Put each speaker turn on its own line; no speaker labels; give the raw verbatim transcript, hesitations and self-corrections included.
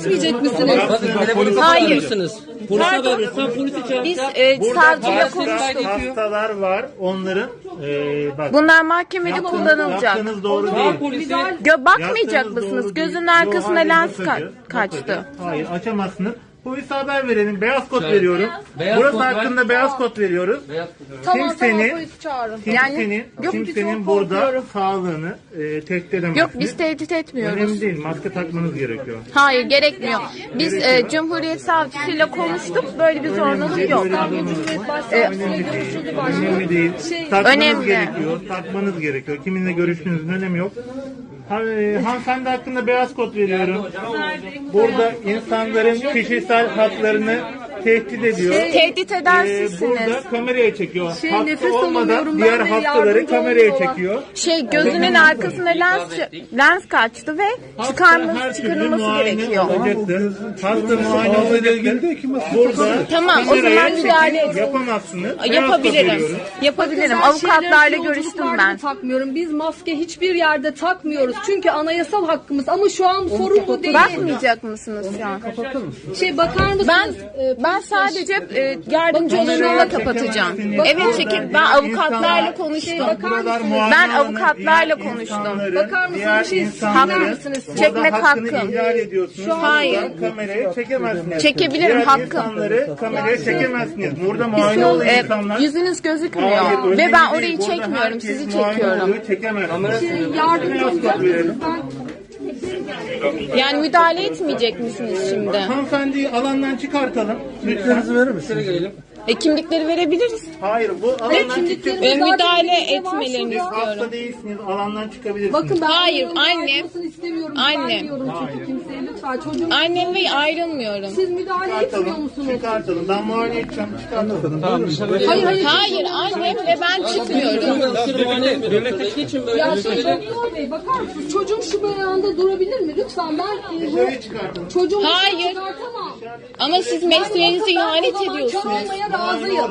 etmeyecek misiniz?
Hayır.
Polise
Pardon.
haber verirsen polisi çağır.
Biz e, savcıyla
Hasta,
konuştuk.
hastalar var. Onların e, bak.
Bunlar mahkemede
yaptığınız-
kullanılacak.
Yaptığınız doğru
Çağır
değil.
polisi.
Gö bakmayacak
Yaptığınız
mısınız?
doğru değil.
Gözünün
Yo,
arkasına
hayır,
lens
bakacağız,
ka- kaçtı.
bakacağız. Hayır, açamazsınız. Polise haber verelim. Beyaz kod
Şöyle.
veriyorum.
Beyaz
Burası
kod ver.
hakkında beyaz kod veriyoruz.
Beyaz
Tamam
Kimsenin-
tamam polisi çağırın.
Yani-
Kimsenin,
yok,
kimsenin
çok
burada
korkuyorum.
sağlığını e, tehdit edemezsiniz.
Yok biz tehdit etmiyoruz.
Önemli değil. Maske takmanız gerekiyor.
Hayır gerekmiyor. Biz e, Cumhuriyet Savcısıyla konuştuk. Böyle bir zorunluluk yok.
Ee, Önemli değil. Önemli değil. Takmanız
Önemli.
gerekiyor. Takmanız gerekiyor. Kiminle görüştüğünüzün önemi yok. Ha, e, hanımefendi hakkında beyaz kod veriyorum. Burada insanların kişisel haklarını tehdit ediyor.
Tehdit eden
Ee,
sizsiniz.
burada kameraya çekiyor.
Şey,
Hasta
nefes
olmadan
alamıyorum
diğer
ben de,
hastaları
yardımcı
kameraya
olmuyorlar.
çekiyor.
Şey gözünün arkasına lens lens kaçtı ve
Hasta
çıkarması
her türlü
çıkarılması
muayene
gerekiyor.
olacaktır. Hasta muayene olacaktır. Burada
Tamam, o
kameraya
zaman
çekim
müdahale edin.
yapamazsınız. Beyaz kod
Yapabilirim.
veriyoruz.
Yapabilirim.
Ben
Avukatlarla
şeyleri
görüştüm
yolculuklarda
ben.
da takmıyorum. Biz maske hiçbir yerde takmıyoruz. Çünkü anayasal hakkımız. Ama şu an sorun bu değil.
Bakmayacak mısınız şu an?
Şey bakar mısınız?
Ben
Ee,
ben sadece e, yardımcı olanlarla kapatacağım. Evet çekin. Ben avukatlarla konuştum.
Buralar
Ben
muayene alanı,
avukatlarla
diğer
konuştum.
insanların-
Bakar mısınız?
diğer
Bir şey
insanların
söyler
misiniz?
burada
Çekmek
hakkını
hakkım.
ihlal ediyorsunuz.
Şu an- Hayır.
Buradan kamerayı çekemezsiniz.
Çekebilirim,
Diğer
hakkım.
insanları kameraya çekemezsiniz. Burada muayene olan
E,
insanlar...
yüzünüz gözükmüyor
Hayır, öyle
ve ben
değil.
orayı
Burada
çekmiyorum.
herkes
Sizi
muayene
çekiyorum.
oluyor, çekemezsiniz.
yardımcı
Beyaz kod verelim.
Yani müdahale etmeyecek misiniz şimdi?
Hanımefendiyi alandan çıkartalım. Lütfen.
İçeri gelelim.
E, kimlikleri verebiliriz.
Hayır, bu alandan çıkacak.
E, müdahale
elimizde var
etmelerini
şurada.
istiyorum.
Hasta değilsiniz, alandan çıkabilirsiniz.
Bakın ben
Hayır,
bunun
annem-
ayrılmasını istemiyorum.
annem.
Vermiyorum çünkü kimseye lütfen. Çocuğum
Annem ve ayrılmıyorum.
siz müdahale etmiyor
Çıkartalım,
musunuz?
çıkartalım. Ben muayene edeceğim, çıkartalım.
Hayır hayır.
Hayır annem ve ben çıkmıyorum.
Devletteki için böyle
Ya
bir
şey Doktor Bey bakar mısınız? Çocuğum şu beyanda durabilir mi? Lütfen ben e,
Dışarıya çıkartalım.
çocuğumu
Hayır.
çıkartamam.
Ama siz mesleğinize
Ben o
ihanet
zaman
ediyorsunuz.
çalmaya razıyım.